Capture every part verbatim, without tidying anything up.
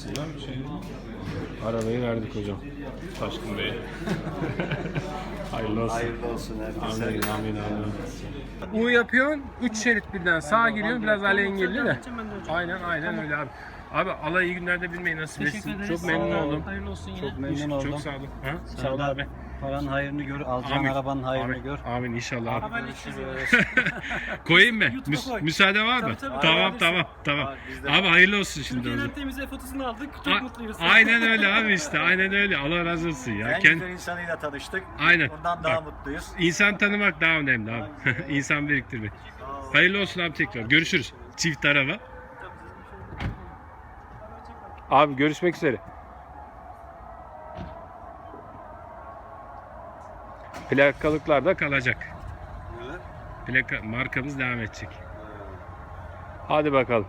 aslında. Şey, Arabayı verdik hocam. Taşkın Bey. Hayırlı olsun. Hayırlı olsun herkese. Amin amin amin. U yapıyorsun, üç şerit birden sağa giriyorsun, biraz alengirli de. Aynen aynen öyle abi. Abi Allah iyi günlerde bilmeyi nasip etsin. Çok memnun oldum. Hayırlı olsun yine. Çok memnun oldum. Çok sağ olun. Ha? Sağ ol abi. Paranın hayrını gör, alacağın Amin. arabanın hayrını Amin. gör. Amin inşallah abi. Haberleşiriz. Koyayım mı? YouTube'a Müs- koy. müsaade var mı? Tabii, tabii. Tamam Haberleşsin. tamam tamam. Abi, biz de- Abi hayırlı olsun şimdi. Türkiye'nin hocam. en temiz fotosunu aldık. Çok A- mutluyuz. Aynen öyle abi işte. Aynen öyle. Allah razı olsun ya. En Kend- güzel insanıyla tanıştık. Aynen. Ondan daha Bak. mutluyuz. İnsan tanımak daha önemli abi. İnsan biriktirmek. Hayırlı olsun abi tekrar. Görüşürüz. Çift araba. Abi görüşmek üzere. Plakalıklar da kalacak. Plaka markamız devam edecek. Hadi bakalım.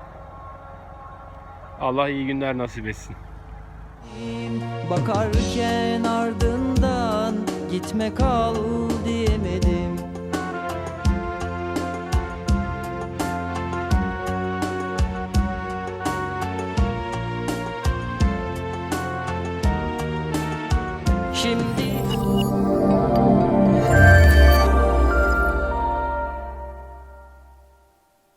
Allah iyi günler nasip etsin. Bakarken ardından gitme kal diyemedim. Şimdi